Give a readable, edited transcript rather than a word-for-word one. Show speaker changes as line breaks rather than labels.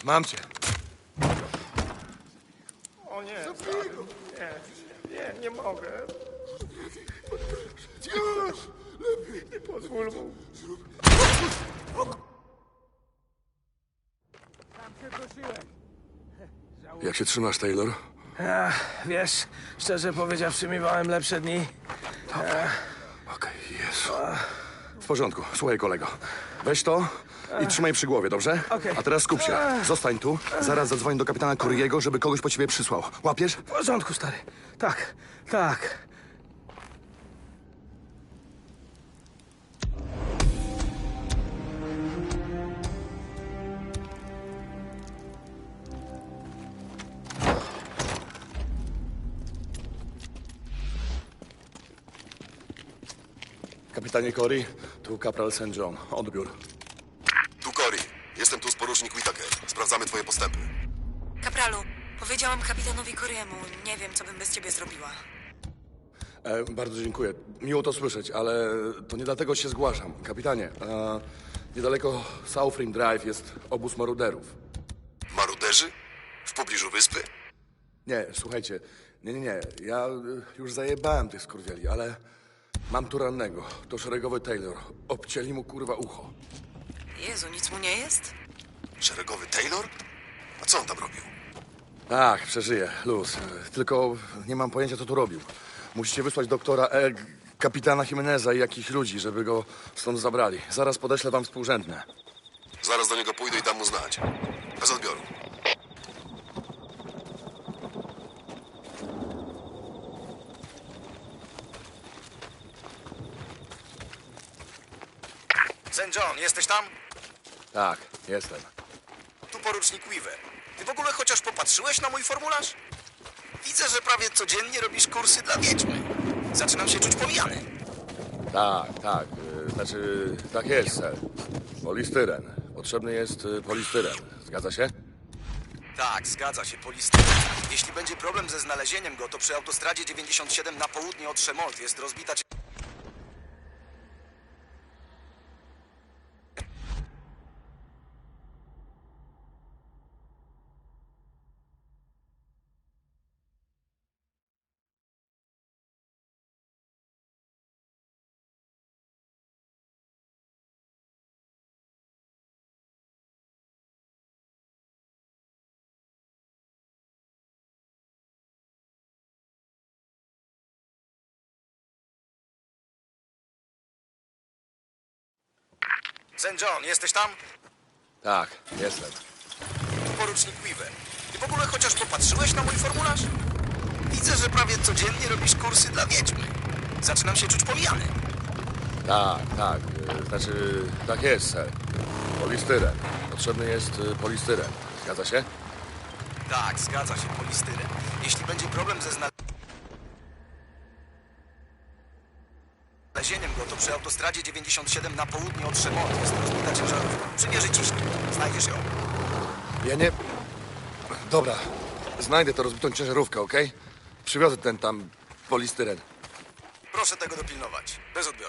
Mam cię.
O nie, stary. Nie mogę. Nie pozwól mu.
Jak się trzymasz, Taylor?
Wiesz, szczerze powiedziawszy, miewałem lepsze dni.
Okej, Jezu. W porządku. Słuchaj, kolego. Weź to i trzymaj przy głowie, dobrze?
Okej.
A teraz skup się. Zostań tu. Zaraz zadzwonię do kapitana Curry'ego, żeby kogoś po ciebie przysłał. Łapiesz?
W porządku, stary. Tak, tak.
Kapitanie Cory, tu kapral St. John. Odbiór.
Tu Cory. Jestem tu z porucznik Whittaker. Sprawdzamy twoje postępy.
Kapralu, powiedziałam kapitanowi Cory'emu. Nie wiem, co bym bez ciebie zrobiła.
Bardzo dziękuję. Miło to słyszeć, ale to nie dlatego się zgłaszam. Kapitanie, niedaleko South Rim Drive jest obóz maruderów.
Maruderzy? W pobliżu wyspy?
Nie, słuchajcie, nie. Ja już zajebałem tych skurwieli, ale mam tu rannego. To szeregowy Taylor. Obcięli mu kurwa ucho.
Jezu, nic mu nie jest?
Szeregowy Taylor? A co on tam robił?
Tak, przeżyje, luz. Tylko nie mam pojęcia, co tu robił. Musicie wysłać doktora, kapitana Jimeneza i jakichś ludzi, żeby go stąd zabrali. Zaraz podeślę wam współrzędne.
Zaraz do niego pójdę i dam mu znać. Bez odbioru.
St. John, jesteś tam?
Tak, jestem.
Tu porucznik Weaver. Ty w ogóle chociaż popatrzyłeś na mój formularz? Widzę, że prawie codziennie robisz kursy dla wiedźmy. Zaczynam się czuć pomijany.
Tak. Znaczy, tak jest, ser. Polistyren. Potrzebny jest polistyren. Zgadza się?
Tak, zgadza się, polisty. Jeśli będzie problem ze znalezieniem go, to przy autostradzie 97 na południe od Chemolt jest rozbita... St. John, jesteś tam?
Tak, jestem.
Tu porucznik Weaver. Ty w ogóle chociaż popatrzyłeś na mój formularz? Widzę, że prawie codziennie robisz kursy dla wiedźmy. Zaczynam się czuć pomijany.
Tak. Znaczy, tak jest, ser. Polistyren. Potrzebny jest polistyren. Zgadza się?
Tak, zgadza się, polistyren. Jeśli będzie problem ze znalezieniem go, to przy autostradzie 97 na południe od Chemolt jest rozbita ciężarówka. Przymierzy ciśnij. Znajdziesz ją.
Ja nie... Dobra, znajdę to rozbitą ciężarówkę, okej? Przywiozę ten tam polistyren.
Proszę tego dopilnować. Bez odbioru.